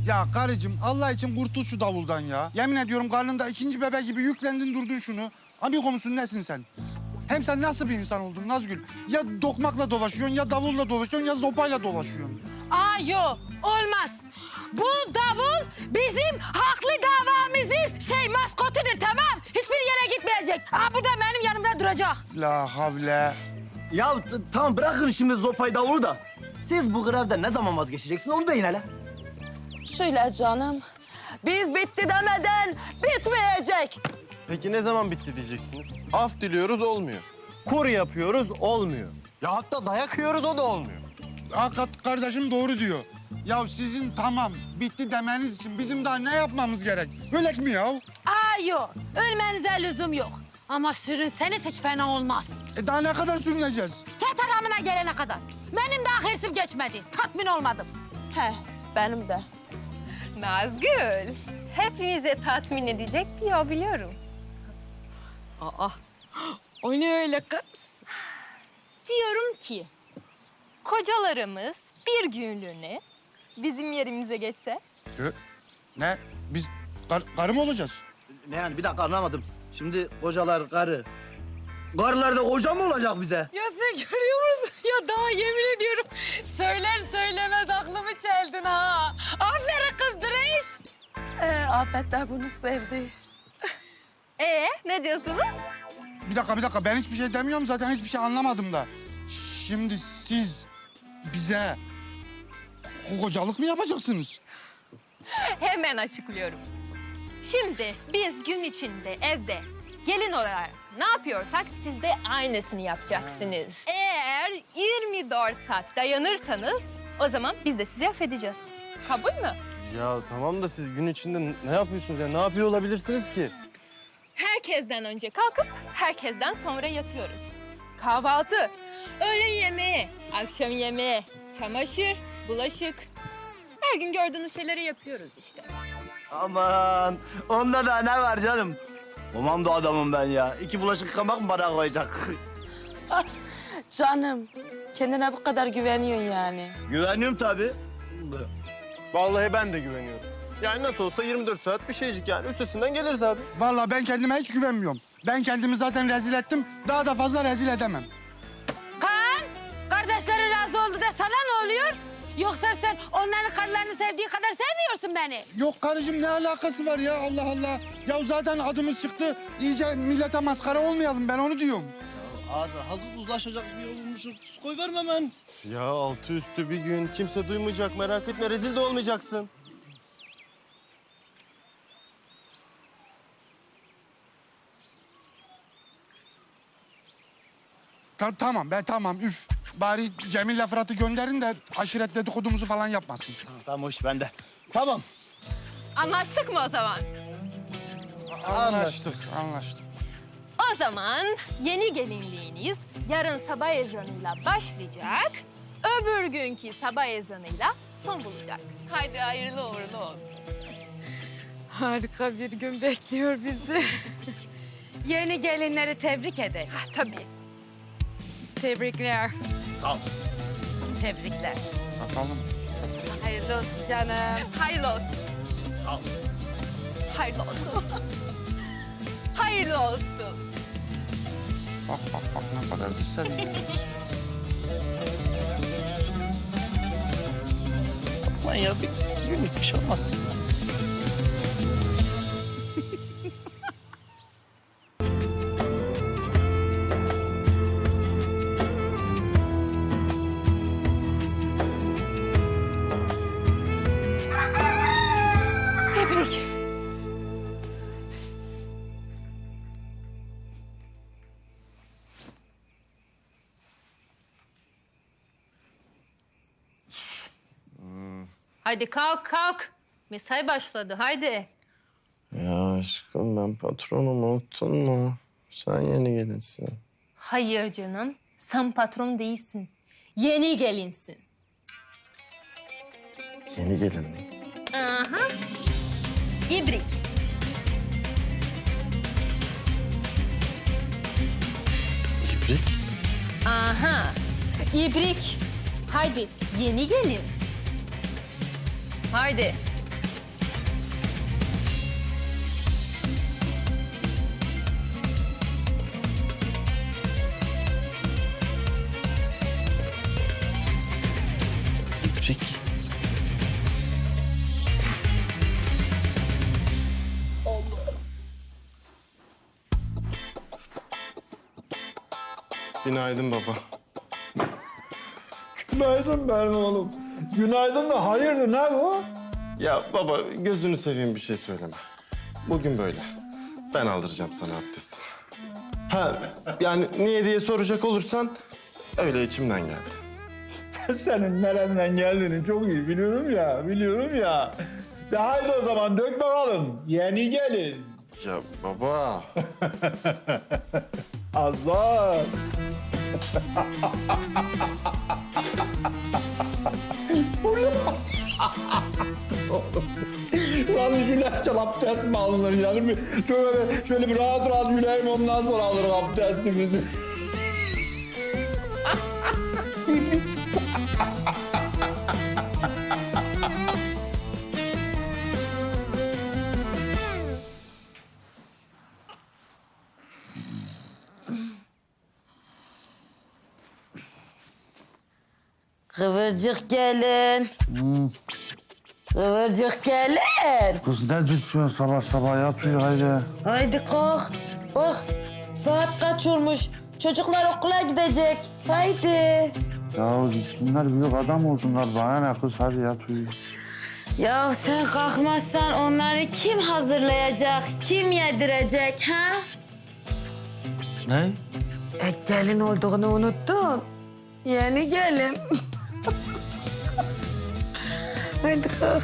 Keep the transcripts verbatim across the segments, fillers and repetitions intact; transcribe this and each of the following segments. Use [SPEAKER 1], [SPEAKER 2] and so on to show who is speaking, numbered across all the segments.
[SPEAKER 1] Ya karıcığım Allah için kurtul şu davuldan ya. Yemin ediyorum karnında ikinci bebek gibi yüklendin durdun şunu. Amigo musun nesin sen? Hem sen nasıl bir insan oldun Nazgül? Ya dokmakla dolaşıyorsun ya davulla dolaşıyorsun ya zopayla dolaşıyorsun.
[SPEAKER 2] Aa yok olmaz. Bu davul bizim haklı davamızın şey maskotudur tamam. Hiçbir yere gitmeyecek. Aa burada benim yanımda duracak.
[SPEAKER 1] La havle.
[SPEAKER 3] Ya t- tamam bırakın şimdi zopayı davulu da. Siz bu grevden ne zaman vazgeçeceksiniz onu deyin hele.
[SPEAKER 4] Şöyle canım. Biz bitti demeden bitmeyecek.
[SPEAKER 5] Peki ne zaman bitti diyeceksiniz? Af diliyoruz olmuyor. Kur yapıyoruz olmuyor. Ya hatta dayak yiyoruz o da olmuyor.
[SPEAKER 1] Hakikat kardeşim doğru diyor. Ya sizin tamam bitti demeniz için bizim daha ne yapmamız gerek? Öyle mi ya?
[SPEAKER 2] Aa yok ölmenize lüzum yok. Ama sürünseniz hiç fena olmaz.
[SPEAKER 1] E daha ne kadar sürüneceğiz?
[SPEAKER 2] Tetamına gelene kadar. Benim daha hırsim geçmedi. Tatmin olmadım.
[SPEAKER 4] He, benim de.
[SPEAKER 6] Nazgül, hepimize tatmin edecek bir yol biliyorum.
[SPEAKER 2] Aa o ne öyle kız?
[SPEAKER 6] Diyorum ki, kocalarımız bir günlüğüne bizim yerimize geçse.
[SPEAKER 1] E, ne? Biz kar, karı mı olacağız?
[SPEAKER 3] Ne yani bir dakika anlamadım. Şimdi kocalar karı. Karılar da koca mı olacak bize?
[SPEAKER 2] Ya sen görüyor musun? Ya daha yemin ediyorum söyler söylemez aklımı çeldin ha. Aferin kız Direş.
[SPEAKER 4] Ee, Afet de bunu sevdi.
[SPEAKER 6] Ee, ne diyorsunuz?
[SPEAKER 1] Bir dakika bir dakika ben hiçbir şey demiyorum zaten hiçbir şey anlamadım da. Şimdi siz bize kocalık mı yapacaksınız?
[SPEAKER 6] Hemen açıklıyorum. Şimdi biz gün içinde evde gelin olarak ne yapıyorsak siz de aynısını yapacaksınız. Eğer yirmi dört saat dayanırsanız o zaman biz de sizi affedeceğiz. Kabul mü?
[SPEAKER 5] Ya tamam da siz gün içinde ne yapıyorsunuz ya? Ne yapıyor olabilirsiniz ki?
[SPEAKER 6] Herkesten önce kalkıp herkesten sonra yatıyoruz. Kahvaltı, öğle yemeği, akşam yemeği, çamaşır, bulaşık. Her gün gördüğünüz şeyleri yapıyoruz işte.
[SPEAKER 3] Aman onda da ne var canım? Komando adamım ben ya. İki bulaşık yıkamak mı bana koyacak?
[SPEAKER 4] Canım, kendine bu kadar güveniyorsun yani.
[SPEAKER 3] Güveniyorum tabii.
[SPEAKER 5] Vallahi ben de güveniyorum. Yani nasıl olsa yirmi dört saat bir şeycik yani. Üstesinden geliriz abi.
[SPEAKER 1] Vallahi ben kendime hiç güvenmiyorum. Ben kendimi zaten rezil ettim. Daha da fazla rezil edemem.
[SPEAKER 2] Kaan, kardeşleri razı oldu da sana ne oluyor? Yoksa sen onların karılarını sevdiği kadar sevmiyorsun beni.
[SPEAKER 1] Yok karıcığım ne alakası var ya Allah Allah. Ya zaten adımız çıktı. İyice millete maskara olmayalım ben onu diyorum.
[SPEAKER 3] Abi hazır uzlaşacak bir yol bulmuşuz. Koy verme hemen.
[SPEAKER 5] Ya altı üstü bir gün kimse duymayacak merak etme rezil de olmayacaksın.
[SPEAKER 1] Ta- tamam be tamam üf. Bari Cemil'le Fırat'ı gönderin de aşiret dedikodumuzu falan yapmasın.
[SPEAKER 3] Tamam hoş bende. Tamam.
[SPEAKER 6] Anlaştık mı o zaman?
[SPEAKER 1] Anlaştık, anlaştık.
[SPEAKER 6] O zaman yeni gelinliğiniz yarın sabah ezanıyla başlayacak. Öbür günkü sabah ezanıyla son bulacak. Haydi hayırlı uğurlu olsun.
[SPEAKER 2] Harika bir gün bekliyor bizi. Yeni gelinleri tebrik ederim.
[SPEAKER 6] Ha, tabii.
[SPEAKER 2] Tebrikler.
[SPEAKER 3] Sağ ol.
[SPEAKER 2] Tebrikler.
[SPEAKER 1] Bakalım.
[SPEAKER 2] Hayırlı olsun canım.
[SPEAKER 6] Hayırlı olsun.
[SPEAKER 3] Sağ ol.
[SPEAKER 6] Hayırlı olsun. Hayırlı olsun.
[SPEAKER 1] Bak bak bak ne kadar da seviyor.
[SPEAKER 3] Aman ya bir günlük bir şey olmaz.
[SPEAKER 2] Tebrik.
[SPEAKER 6] Haydi kalk kalk. Mesai başladı haydi.
[SPEAKER 5] Ya aşkım ben patronum unuttun mu? Sen yeni gelinsin.
[SPEAKER 6] Hayır canım. Sen patron değilsin. Yeni gelinsin.
[SPEAKER 5] Yeni gelin mi?
[SPEAKER 6] Aha. İbrik.
[SPEAKER 5] İbrik.
[SPEAKER 6] Aha. İbrik. Haydi yeni gelin. Haydi.
[SPEAKER 3] Çek.
[SPEAKER 5] Günaydın baba.
[SPEAKER 7] Günaydın benim oğlum. Günaydın da hayırdır ne bu?
[SPEAKER 5] Ya baba gözünü seveyim bir şey söyleme. Bugün böyle. Ben aldıracağım sana abdestini. Ha yani niye diye soracak olursan öyle içimden geldi.
[SPEAKER 7] Ben senin nereden geldiğini çok iyi biliyorum ya, biliyorum ya. De haydi o zaman dök bakalım. Yeni gelin.
[SPEAKER 5] Ya baba.
[SPEAKER 7] Azar. Lan gülerken abdest mi alınır yani? Bir- Şöyle, şöyle bir rahat rahat güleyim ondan sonra alırım abdestimizi.
[SPEAKER 4] Kıvırcık gelin. Kıvırcık gelin.
[SPEAKER 1] Kız ne düşüyorsun sabah sabah yatıyor haydi.
[SPEAKER 4] Haydi kalk. Bak saat kaç olmuş. Çocuklar okula gidecek. Haydi.
[SPEAKER 1] Ya gitsinler büyük adam olsunlar bana ne kız hadi yat uyu.
[SPEAKER 2] Ya sen kalkmazsan onları kim hazırlayacak, kim yedirecek ha?
[SPEAKER 3] Ne?
[SPEAKER 4] E, gelin olduğunu unuttun. Yeni gelin. Haydi kalk.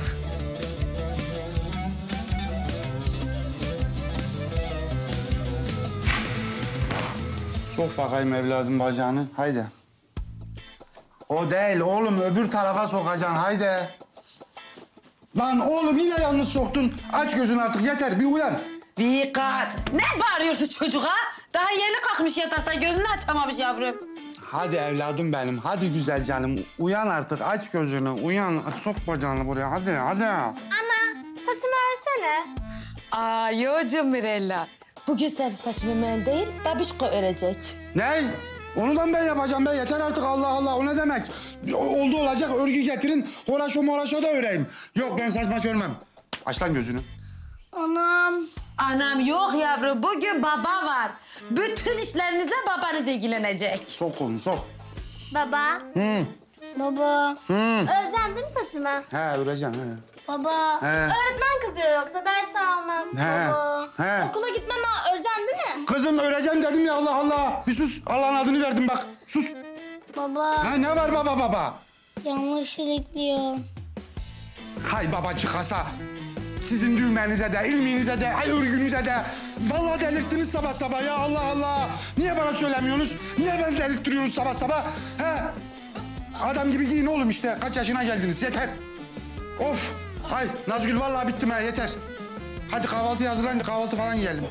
[SPEAKER 1] Sok bakayım evladım bacağını haydi. O değil oğlum öbür tarafa sokacaksın haydi. Lan oğlum yine yanlış soktun. Aç gözünü artık yeter bir uyan.
[SPEAKER 2] Vikar, ne bağırıyorsun çocuğa? Daha yeni kalkmış yataktan, gözünü açamamış yavrum.
[SPEAKER 1] Hadi evladım benim hadi güzel canım. Uyan artık aç gözünü uyan. Sok bacağını buraya hadi hadi.
[SPEAKER 8] Ana, saçımı örsene.
[SPEAKER 2] Aa, yo Cumhurella.
[SPEAKER 4] Bugün sen saçını ben değil, babişko örecek.
[SPEAKER 1] Ne? Onu da mı ben yapacağım be? Yeter artık Allah Allah. O ne demek? O- Oldu olacak örgü getirin. Horaşo moraşo da öreyim. Yok ben saçma örmem. Aç lan gözünü.
[SPEAKER 8] Anam.
[SPEAKER 2] Anam yok yavrum, bugün baba var. Bütün işlerinizle babanız ilgilenecek.
[SPEAKER 1] Sok kolunu sok.
[SPEAKER 8] Baba.
[SPEAKER 1] Hı.
[SPEAKER 8] Baba.
[SPEAKER 1] Hı.
[SPEAKER 8] Öreceksin değil mi saçımı?
[SPEAKER 1] He öreceğim he.
[SPEAKER 8] Baba.
[SPEAKER 1] He.
[SPEAKER 8] Öğretmen kızıyor yoksa ders almaz.
[SPEAKER 1] He.
[SPEAKER 8] Baba.
[SPEAKER 1] He.
[SPEAKER 8] Okula gitmem ama öreceksin değil mi?
[SPEAKER 1] Kızım öreceğim dedim ya Allah Allah. Bir sus. Allah'ın adını verdim bak. Sus.
[SPEAKER 8] Baba.
[SPEAKER 1] Ha ne var baba baba?
[SPEAKER 8] Yanlış ilikliyor.
[SPEAKER 1] Hay baba çıkasa. Sizin düğmenize de, ilminize de, ay örgünüze de. Vallahi delirttiniz sabah sabah ya Allah Allah. Niye bana söylemiyorsunuz? Niye beni delirttiriyorsunuz sabah sabah? He? Adam gibi giyin oğlum işte. Kaç yaşına geldiniz yeter. Of. Hay Nazgül vallahi bittim ha yeter. Hadi kahvaltı hazırlayın da kahvaltı falan yiyelim.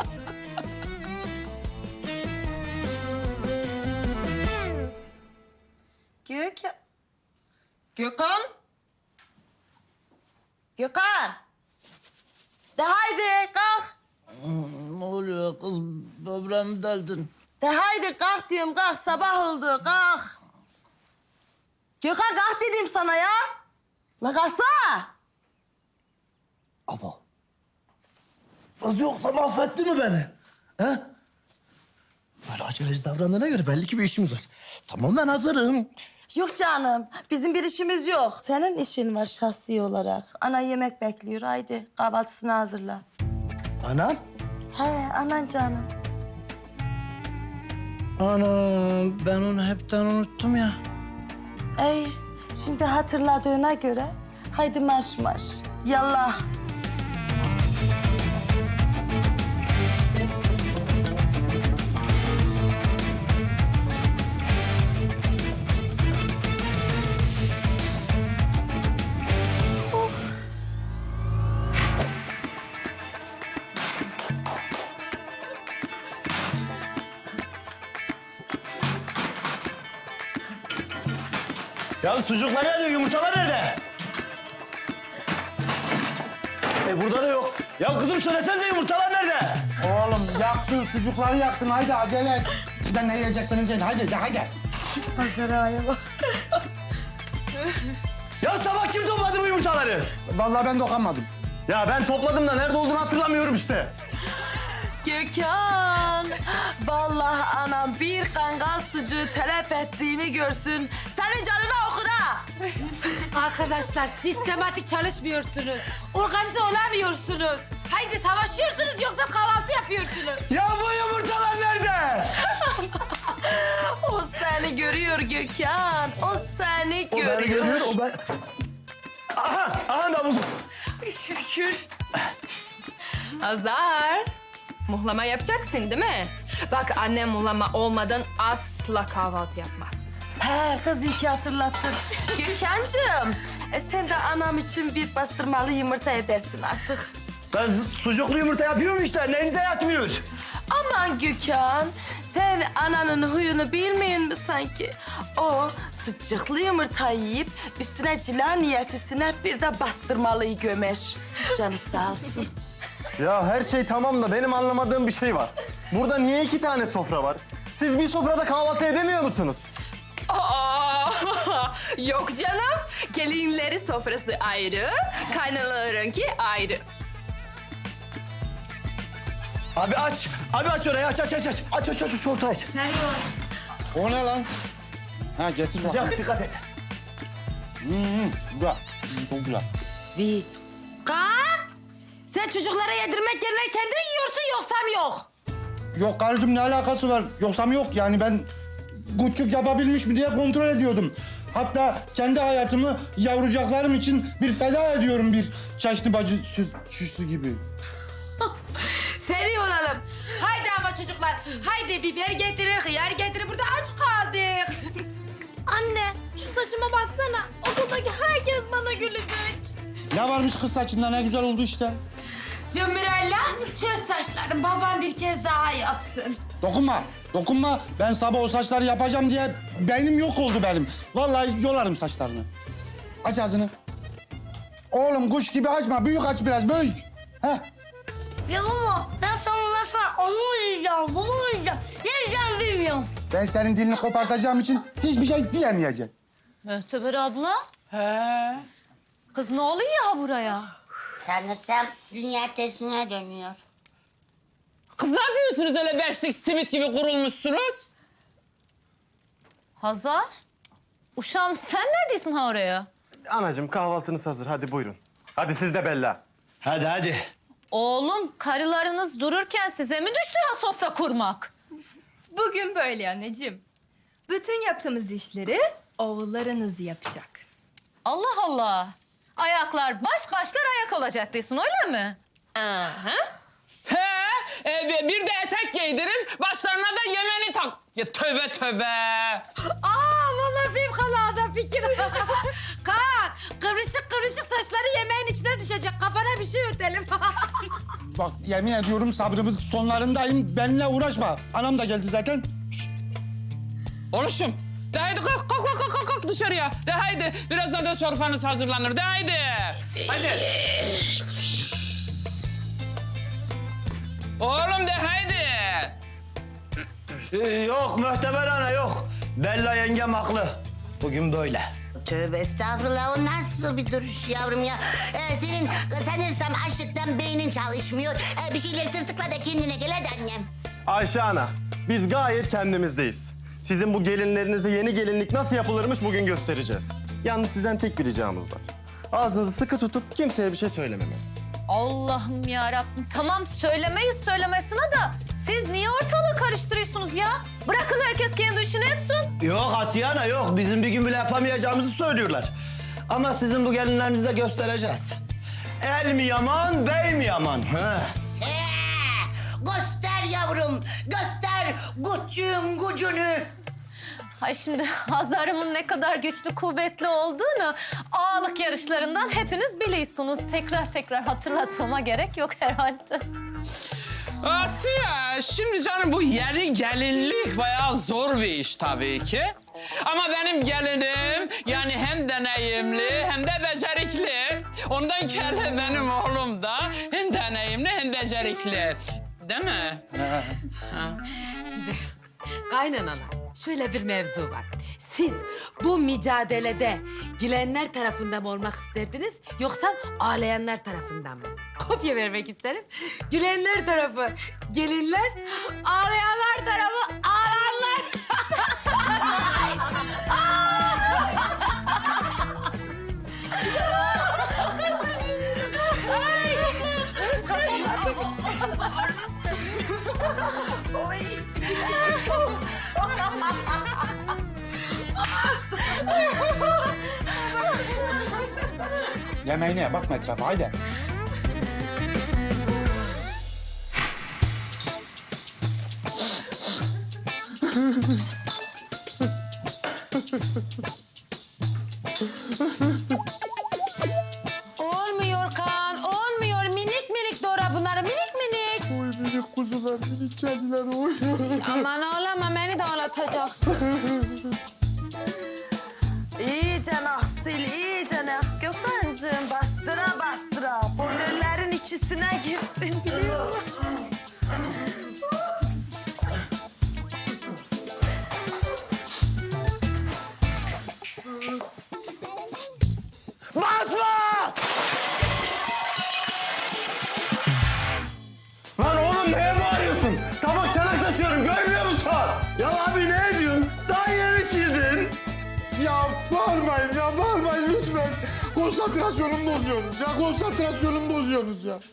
[SPEAKER 4] Gökhan. Gökhan. Gökhan. De haydi kalk.
[SPEAKER 3] Ne oluyor kız? Böbreğimi deldin.
[SPEAKER 4] De haydi kalk diyorum kalk sabah oldu kalk. Gökhan kalk dedim sana ya. La kalksana.
[SPEAKER 3] Abo. Kız yoksa mahvetti mi beni? He? Böyle aceleci davrandığına göre belli ki bir işimiz var. Tamam ben hazırım.
[SPEAKER 4] Yok canım bizim bir işimiz yok. Senin işin var şahsi olarak. Ana yemek bekliyor haydi kahvaltısını hazırla.
[SPEAKER 3] Anam?
[SPEAKER 4] He anan canım.
[SPEAKER 3] Anam ben onu hepten unuttum ya.
[SPEAKER 4] Ey şimdi hatırladığına göre haydi marş marş. Yallah.
[SPEAKER 3] Ya sucuklar nerede? Yumurtalar nerede? E burada da yok. Ya kızım söylesene yumurtalar nerede?
[SPEAKER 1] Oğlum yaktın sucukları yaktın haydi acele et. Sizden ne yiyeceksiniz yiyin haydi de haydi.
[SPEAKER 4] Hazıraya bak.
[SPEAKER 3] Ya sabah kim topladı bu yumurtaları?
[SPEAKER 1] Vallahi ben dokunmadım.
[SPEAKER 5] Ya ben topladım da nerede olduğunu hatırlamıyorum işte.
[SPEAKER 4] Gökhan, vallahi anam bir kangal sucuğu telef ettiğini görsün. Senin canına okur ha.
[SPEAKER 2] Arkadaşlar sistematik çalışmıyorsunuz. Organize olamıyorsunuz. Haydi savaşıyorsunuz yoksa kahvaltı yapıyorsunuz.
[SPEAKER 3] Ya bu yumurtalar nerede?
[SPEAKER 4] O seni görüyor Gökhan. O seni
[SPEAKER 3] O
[SPEAKER 4] görüyor.
[SPEAKER 3] beni görüyor, o ben... Aha, aha da buldum.
[SPEAKER 4] Şükür.
[SPEAKER 6] Hazar. Muhlama yapacaksın değil mi? Bak annem muhlama olmadan asla kahvaltı yapmaz.
[SPEAKER 4] He kız iyi ki hatırlattın. Gökhan'cığım, e sen de anam için bir bastırmalı yumurta edersin artık.
[SPEAKER 3] Ben sucuklu yumurta yapıyorum işte, neyinize yatmıyor?
[SPEAKER 4] Aman Gökhan, sen ananın huyunu bilmiyor musun sanki? O sucuklu yumurta yiyip üstüne cila niyetisine bir de bastırmalıyı gömer. Canı sağ olsun.
[SPEAKER 5] Ya her şey tamam da benim anlamadığım bir şey var. Burada niye iki tane sofra var? Siz bir sofrada kahvaltı edemiyor musunuz?
[SPEAKER 6] Aa, yok canım. Gelinleri sofrası ayrı, kaynanalarınki ayrı.
[SPEAKER 3] Abi aç, abi aç orayı, aç aç aç aç. Aç aç aç, şu ortayı aç.
[SPEAKER 1] O ne lan? Ha getir bak.
[SPEAKER 3] Sıcak, dikkat et.
[SPEAKER 1] Hmm, güzel. Hmm, çok güzel.
[SPEAKER 2] Vi. Kaan! Sen çocuklara yedirmek yerine kendin yiyorsun yoksa mı yok?
[SPEAKER 1] Yok karıcığım ne alakası var? Yoksa mı yok yani ben küçük yapabilmiş mi diye kontrol ediyordum. Hatta kendi hayatımı yavrucaklarım için bir feda ediyorum bir çeşni bacı şi- şişi gibi.
[SPEAKER 2] Seri olalım. Haydi ama çocuklar. Haydi biber getirin, hıyar getirin. Burada aç kaldık.
[SPEAKER 8] Anne şu saçıma baksana. Okuldaki herkes bana gülecek.
[SPEAKER 1] Ne varmış kız saçında ne güzel oldu işte.
[SPEAKER 2] Cumhurella çöz saçlarını. Babam bir kez daha yapsın.
[SPEAKER 1] Dokunma, dokunma. Ben sabah o saçları yapacağım diye beynim yok oldu benim. Vallahi yolarım saçlarını. Aç ağzını. Oğlum kuş gibi açma, büyük aç biraz, büyük. Heh.
[SPEAKER 8] Ya baba ben sana sonra onu uyuyacağım, bunu uyuyacağım. Ne yiyeceğim bilmiyorum.
[SPEAKER 1] Ben senin dilini kopartacağım için hiçbir şey diyemeyeceğim.
[SPEAKER 2] Möhteber abla. He. Kız ne oluyor ya buraya?
[SPEAKER 9] Sanırsam dünya tersine dönüyor.
[SPEAKER 10] Kız ne yapıyorsunuz öyle beşlik simit gibi kurulmuşsunuz?
[SPEAKER 2] Hazar. Uşağım sen neredesin ha oraya?
[SPEAKER 5] Anacığım kahvaltınız hazır, hadi buyurun. Hadi siz de Bella.
[SPEAKER 3] Hadi hadi.
[SPEAKER 2] Oğlum karılarınız dururken size mi düştü ha sofra kurmak?
[SPEAKER 6] Bugün böyle anneciğim. Bütün yaptığımız işleri oğullarınız yapacak.
[SPEAKER 2] Allah Allah. Ayaklar baş başlar ayak olacak diyorsun öyle mi?
[SPEAKER 6] Aha.
[SPEAKER 10] He, e, bir de etek giydirin, başlarına da yemeni tak. Ya tövbe tövbe.
[SPEAKER 2] Aa vallahi fevkalade fikir. Kaan kıvrışık kıvrışık saçları yemeğin içine düşecek. Kafana bir şey ötelim.
[SPEAKER 1] Bak yemin ediyorum sabrımın sonlarındayım. Benimle uğraşma. Anam da geldi zaten.
[SPEAKER 10] Oluşum. De haydi kalk, kalk, kalk, kalk, kalk dışarıya. De haydi, birazdan da sofranız hazırlanır. De haydi. Haydi. Oğlum de haydi.
[SPEAKER 3] Ee, yok Möhteber ana yok. Bella yengem haklı. Bugün böyle.
[SPEAKER 9] Tövbe estağfurullah, o nasıl bir duruş yavrum ya? Ee, senin sanırsam açlıktan beynin çalışmıyor. Ee, bir şeyleri tırtıkla da kendine gel hadi annem.
[SPEAKER 5] Ayşe ana, biz gayet kendimizdeyiz. Sizin bu gelinlerinize yeni gelinlik nasıl yapılırmış bugün göstereceğiz. Yalnız sizden tek bir ricamız var. Ağzınızı sıkı tutup kimseye bir şey söylememeniz.
[SPEAKER 2] Allah'ım ya Rabbim. Tamam söylemeyiz söylemesine de siz niye ortalığı karıştırıyorsunuz ya? Bırakın herkes kendi işini etsin.
[SPEAKER 3] Yok Asiye ana yok. Bizim bir gün bile yapamayacağımızı söylüyorlar. Ama sizin bu gelinlerinize göstereceğiz. El mi yaman, bey mi yaman? He.
[SPEAKER 9] Ee, göster yavrum, göster gücün gücünü.
[SPEAKER 2] Ay şimdi Hazar'ımın ne kadar güçlü kuvvetli olduğunu ağalık yarışlarından hepiniz biliyorsunuz. Tekrar tekrar hatırlatmama gerek yok herhalde.
[SPEAKER 10] Asiye, şimdi canım bu yeni gelinlik bayağı zor bir iş tabii ki. Ama benim gelinim yani hem deneyimli hem de becerikli. Ondan kere benim oğlum da hem deneyimli hem becerikli. Değil mi?
[SPEAKER 2] Kaynanalar şöyle bir mevzu var. Siz bu mücadelede gülenler tarafından mı olmak isterdiniz yoksa ağlayanlar tarafından mı? Kopya vermek isterim. Gülenler tarafı gelinler, ağlayanlar tarafı ağlayanlar.
[SPEAKER 1] Yemeğine bakma etrafa haydi.
[SPEAKER 2] Olmuyor Kaan, olmuyor. Minik minik doğra bunları, minik minik.
[SPEAKER 1] Oy minik kuzular, minik kediler oy.
[SPEAKER 2] Aman ağlama, beni de ağlatacaksın.
[SPEAKER 4] İyice Nahsil, iyice Nah. Gökhan'cığım bastıra bastıra. Boynerlerin içisine girsin biliyor musun?
[SPEAKER 3] Basma! Lan oğlum neye bağırıyorsun? Tabak çanak taşıyorum görmüyor musun? Ya abi ne ediyorsun? Daha yeni sildin.
[SPEAKER 1] Ya bağırmayın ya bağırmayın lütfen. Konsantrasyonumu bozuyorsunuz ya konsantrasyonumu bozuyorsunuz ya.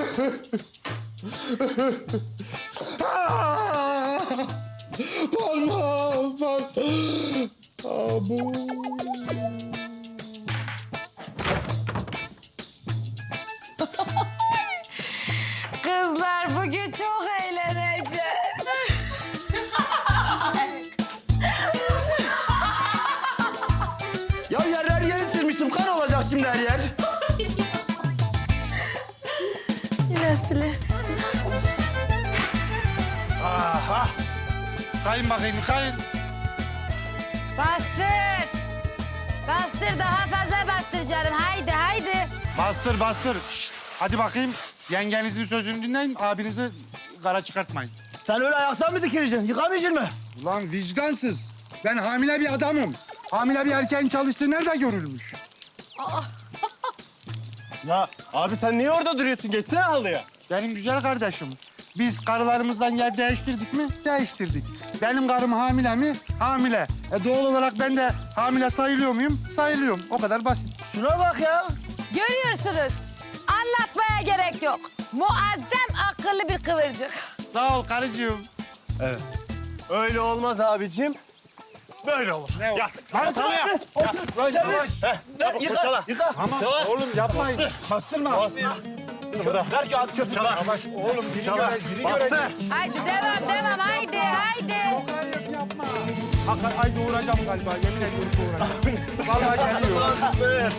[SPEAKER 1] Bağırma bağır. Abu.
[SPEAKER 2] Kızlar bugün çok eğleneceğiz.
[SPEAKER 3] Ya yerler yeri silmiştim. Kan olacak şimdi her yer.
[SPEAKER 4] Yine silersin.
[SPEAKER 1] Aha. Kayın bakayım kayın.
[SPEAKER 2] Bastır. Bastır, daha fazla bastır canım. Haydi, haydi.
[SPEAKER 1] Bastır bastır. Şşt, hadi bakayım. Yengenizin sözünü dinleyin. Abinizi kara çıkartmayın.
[SPEAKER 3] Sen öyle ayaktan mı dikileceksin? Yıkamayacaksın mı?
[SPEAKER 1] Ulan vicdansız. Ben hamile bir adamım. Hamile bir erkeğin çalıştığı nerede görülmüş?
[SPEAKER 3] Ya abi sen niye orada duruyorsun? Geçsene halıya.
[SPEAKER 1] Benim güzel kardeşim. Biz karılarımızdan yer değiştirdik mi? Değiştirdik. Benim karım hamile mi? Hamile. E doğal olarak ben de hamile sayılıyor muyum? Sayılıyorum. O kadar basit.
[SPEAKER 3] Şuna bak ya.
[SPEAKER 2] Görüyorsunuz. Anlatmaya gerek yok. Muazzam akıllı bir kıvırcık.
[SPEAKER 1] Sağ ol karıcığım.
[SPEAKER 3] Öyle olmaz abicim. Böyle olur. Ne Yat.
[SPEAKER 1] Lan tamam ya.
[SPEAKER 3] Otur.
[SPEAKER 1] Lan yavaş.
[SPEAKER 3] Yıka. Yıka.
[SPEAKER 1] Tamam oğlum yapmayın. Bastırma.
[SPEAKER 3] Burada. Ver ki at çöp çalar.
[SPEAKER 1] Yavaş oğlum biri
[SPEAKER 3] Çalar.
[SPEAKER 1] göre, biri
[SPEAKER 3] Bastır.
[SPEAKER 1] görecek.
[SPEAKER 2] Haydi devam, devam. Haydi, haydi.
[SPEAKER 1] Çok ayıp yapma. Hakikaten ay doğuracağım galiba. Yemin ediyorum doğuracağım. Vallahi geliyor.
[SPEAKER 3] Bastır.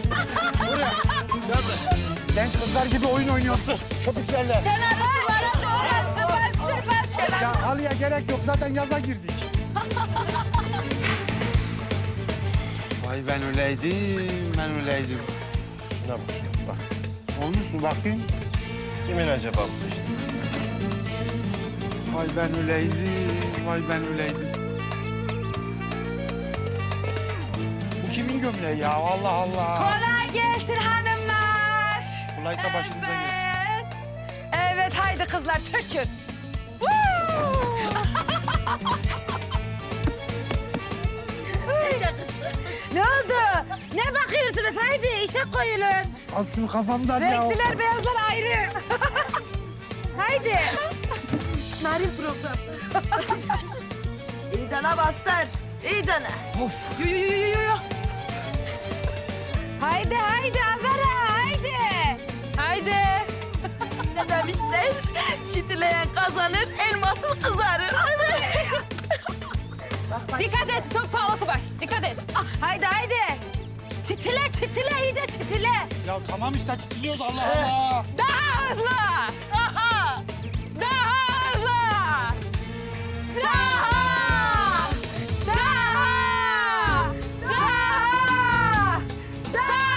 [SPEAKER 1] Genç kızlar gibi oyun oynuyorsun. Köpüklerle.
[SPEAKER 2] Kenarlar vardı orası. Bastır, bastır.
[SPEAKER 1] Ya halıya gerek yok. Zaten yaza girdik. Vay ben öyleydim, ben öyleydim.
[SPEAKER 3] Şuna bak. Bak.
[SPEAKER 1] Olmuş mu bakayım?
[SPEAKER 3] Kimin acaba bu işte?
[SPEAKER 1] Vay ben öyleydim, vay ben öyleydim. Bu kimin gömleği ya? Allah Allah.
[SPEAKER 2] Kolay gelsin hanımlar.
[SPEAKER 1] Kolaysa başınıza gelsin.
[SPEAKER 2] Evet, haydi kızlar tökün. Ne oldu? Ne bakıyorsunuz? Haydi işe koyulun.
[SPEAKER 1] Al şunu kafamdan ya.
[SPEAKER 2] Renkliler, beyazlar ayrı. Haydi. Narin program.
[SPEAKER 4] İyicene bastır. İyicene.
[SPEAKER 1] Of.
[SPEAKER 4] Yu yu yu yu yu.
[SPEAKER 2] Haydi, haydi Azara, haydi.
[SPEAKER 4] Haydi. Ne demişler? Çitileyen kazanır, elması kızarır. Evet.
[SPEAKER 6] Dikkat et, çok pahalı kubaş. Dikkat et.
[SPEAKER 2] Ah, haydi, haydi. Çitile, çitile, iyice çitile.
[SPEAKER 1] Ya tamam işte çitiliyoruz Allah Allah.
[SPEAKER 2] Daha hızlı. Daha. Daha hızlı. Daha. Daha. Daha.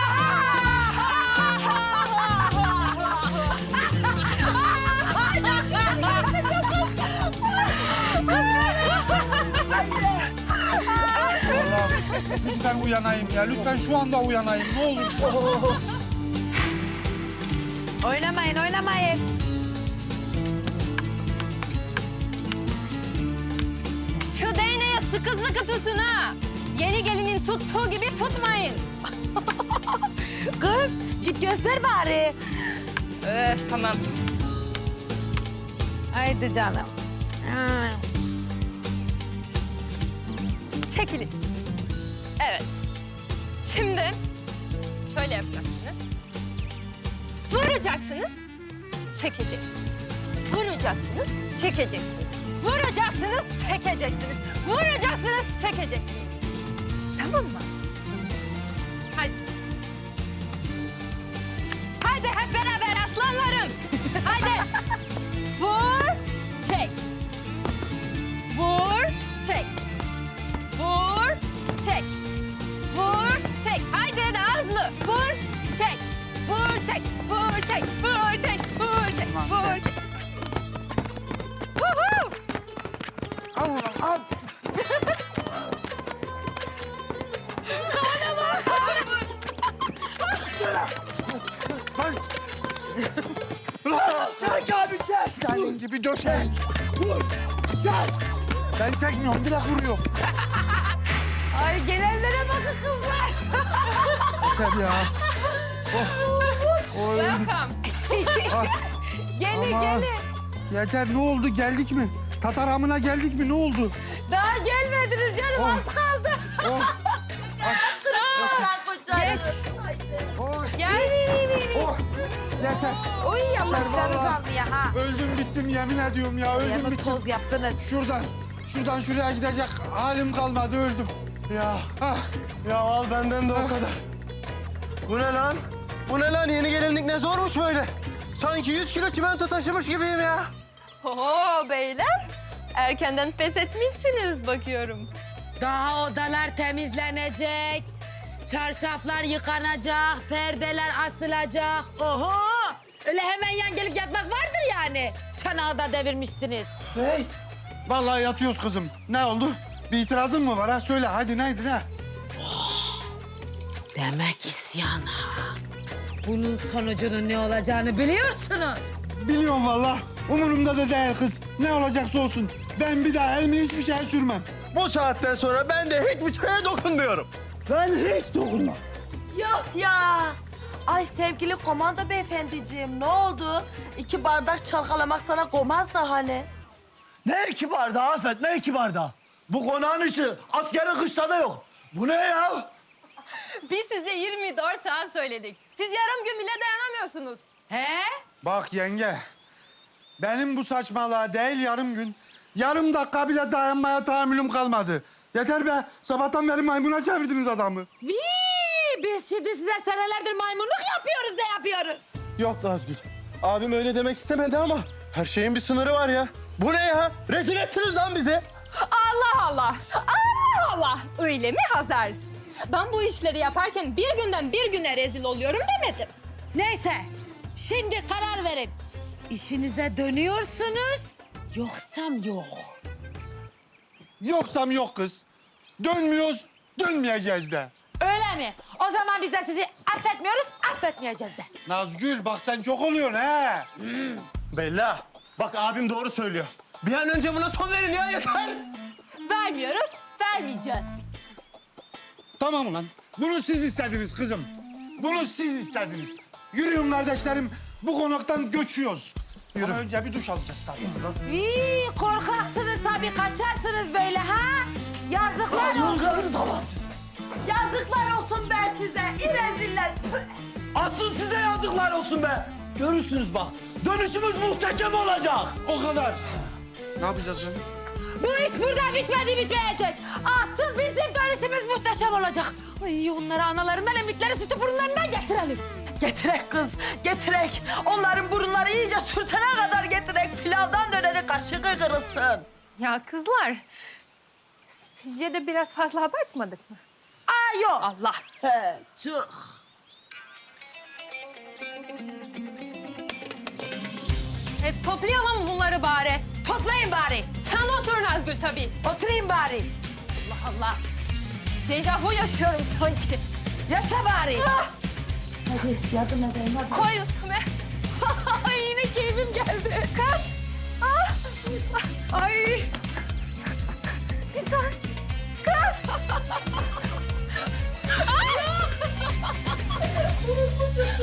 [SPEAKER 1] Allah Lütfen uyanayım ya. Lütfen şu anda uyanayım. Ne olur.
[SPEAKER 2] Oynamayın, oynamayın.
[SPEAKER 6] Şu değneği sıkı sıkı tutun ha. Yeni gelinin tuttuğu gibi tutmayın.
[SPEAKER 2] Kız, git göster bari.
[SPEAKER 6] Öf, tamam.
[SPEAKER 2] Haydi canım. Ha.
[SPEAKER 6] Çekilin. Evet. Şimdi şöyle yapacaksınız. Vuracaksınız, çekeceksiniz. Vuracaksınız, çekeceksiniz. Vuracaksınız, çekeceksiniz. Vuracaksınız, çekeceksiniz. Tamam mı? Hadi. Hadi hep beraber aslanlarım. Hadi. Vur, çek. Vur, çek. Vur, çek. Vur, çek. Haydi daha hızlı. Vur, çek. Vur, çek. Vur, çek. Vur, çek. Vur, çek. Vur, çek. Huhu!
[SPEAKER 1] Al ulan al. Lan.
[SPEAKER 3] Çek abi çek.
[SPEAKER 1] Senin gibi döşek. Vur. Gel. Ben çekmiyorum. Direkt vuruyor.
[SPEAKER 2] Ay gelenlere bakın kızlar.
[SPEAKER 1] Yeter ya. Oy.
[SPEAKER 6] Welcome.
[SPEAKER 2] Gelin,
[SPEAKER 1] Aman.
[SPEAKER 2] gelin.
[SPEAKER 1] Yeter ne oldu? Geldik mi? Tatar hamına geldik mi? Ne oldu?
[SPEAKER 2] Daha gelmediniz canım,
[SPEAKER 1] Oh.
[SPEAKER 2] az kaldı.
[SPEAKER 1] Oh.
[SPEAKER 2] Geç.
[SPEAKER 1] Oy.
[SPEAKER 6] Gel.
[SPEAKER 1] Oh. Yeter.
[SPEAKER 2] Oy Allah
[SPEAKER 1] Yeter
[SPEAKER 2] canı
[SPEAKER 1] vallahi.
[SPEAKER 2] aldı ya ha.
[SPEAKER 1] Öldüm bittim yemin ediyorum ya. Öldüm
[SPEAKER 2] Yanı
[SPEAKER 1] bittim.
[SPEAKER 2] toz yaptınız.
[SPEAKER 1] Şuradan. Şuradan şuraya gidecek halim kalmadı. Öldüm. Ya. Ah.
[SPEAKER 5] Ya al benden de o kadar. Bu ne lan? Bu ne lan? Yeni gelinlik ne zormuş böyle? Sanki yüz kilo çimento taşımış gibiyim ya.
[SPEAKER 6] Oo beyler. Erkenden pes etmişsiniz bakıyorum.
[SPEAKER 2] Daha odalar temizlenecek. Çarşaflar yıkanacak, perdeler asılacak. Oho! Öyle hemen yan gelip yatmak vardır yani. Çanağı da devirmişsiniz.
[SPEAKER 1] Hey. Vallahi yatıyoruz kızım. Ne oldu? Bir itirazın mı var ha? Söyle hadi neydi ne?
[SPEAKER 2] Demek isyan ha. Bunun sonucunun ne olacağını biliyorsunuz.
[SPEAKER 1] Biliyorum vallahi. Umurumda da değil kız. Ne olacaksa olsun. Ben bir daha elimi hiçbir şeye sürmem.
[SPEAKER 5] Bu saatten sonra ben de hiçbir şeye dokunmuyorum.
[SPEAKER 3] Ben hiç dokunmam.
[SPEAKER 4] Yok ya. Ay sevgili komando beyefendiciğim ne oldu? İki bardak çalkalamak sana komaz da hani.
[SPEAKER 3] Ne iki bardağı Afet, ne iki bardağı? Bu konağın ışığı askerin kışta da yok. Bu ne ya?
[SPEAKER 6] Biz size yirmi dört saat söyledik. Siz yarım gün bile dayanamıyorsunuz.
[SPEAKER 2] He?
[SPEAKER 1] Bak yenge. Benim bu saçmalığa değil yarım gün. Yarım dakika bile dayanmaya tahammülüm kalmadı. Yeter be. Sabahtan beri maymuna çevirdiniz adamı.
[SPEAKER 2] Vii! Biz şimdi size senelerdir maymunluk yapıyoruz, ne yapıyoruz?
[SPEAKER 5] Yok Nazgül. Abim öyle demek istemedi ama her şeyin bir sınırı var ya. Bu ne ya? Rezil ettiniz lan bizi.
[SPEAKER 6] Allah Allah. Allah Allah. Öyle mi Hazar? Ben bu işleri yaparken bir günden bir güne rezil oluyorum demedim.
[SPEAKER 2] Neyse, şimdi karar verin. İşinize dönüyorsunuz, yoksam yok.
[SPEAKER 1] Yoksam yok kız. Dönmüyoruz, dönmeyeceğiz de.
[SPEAKER 2] Öyle mi? O zaman biz de sizi affetmiyoruz, affetmeyeceğiz de.
[SPEAKER 1] Nazgül bak sen çok oluyorsun he.
[SPEAKER 5] Bella, bak abim doğru söylüyor. Bir an önce buna son verin ya yeter.
[SPEAKER 6] Vermiyoruz, vermeyeceğiz.
[SPEAKER 1] Tamam ulan. Bunu siz istediniz kızım. Bunu siz istediniz. Yürüyün kardeşlerim. Bu konaktan göçüyoruz. Yürü. Ama önce bir duş alacağız tabii.
[SPEAKER 2] Vii, korkaksınız tabii, kaçarsınız böyle ha? Yazıklar olsun.
[SPEAKER 4] Yazıklar olsun ben size. İreziller.
[SPEAKER 3] Asıl size yazıklar olsun be. Görürsünüz bak. Dönüşümüz muhteşem olacak.
[SPEAKER 1] O kadar. Ne yapacağız canım?
[SPEAKER 2] Bu iş burada bitmedi, bitmeyecek. Asıl bizim dönüşümüz muhteşem olacak. Ay, onları analarından emdikleri sütü burunlarından getirelim.
[SPEAKER 4] Getirek kız, getirek. Onların burunları iyice sürtene kadar getirek. Pilavdan döneri kaşığı kırılsın.
[SPEAKER 6] Ya kızlar, sizce de biraz fazla abartmadık mı?
[SPEAKER 4] Aa yok.
[SPEAKER 6] Allah.
[SPEAKER 4] He, çık.
[SPEAKER 6] E, toplayalım bunları bari.
[SPEAKER 2] Toplayın bari.
[SPEAKER 6] Sen de otur Nazgül tabii.
[SPEAKER 2] Oturayım bari.
[SPEAKER 6] Allah Allah. dejavu yaşıyorum sanki.
[SPEAKER 2] Yaşa bari.
[SPEAKER 6] Koy üstüme. Yine keyfim geldi. Kız.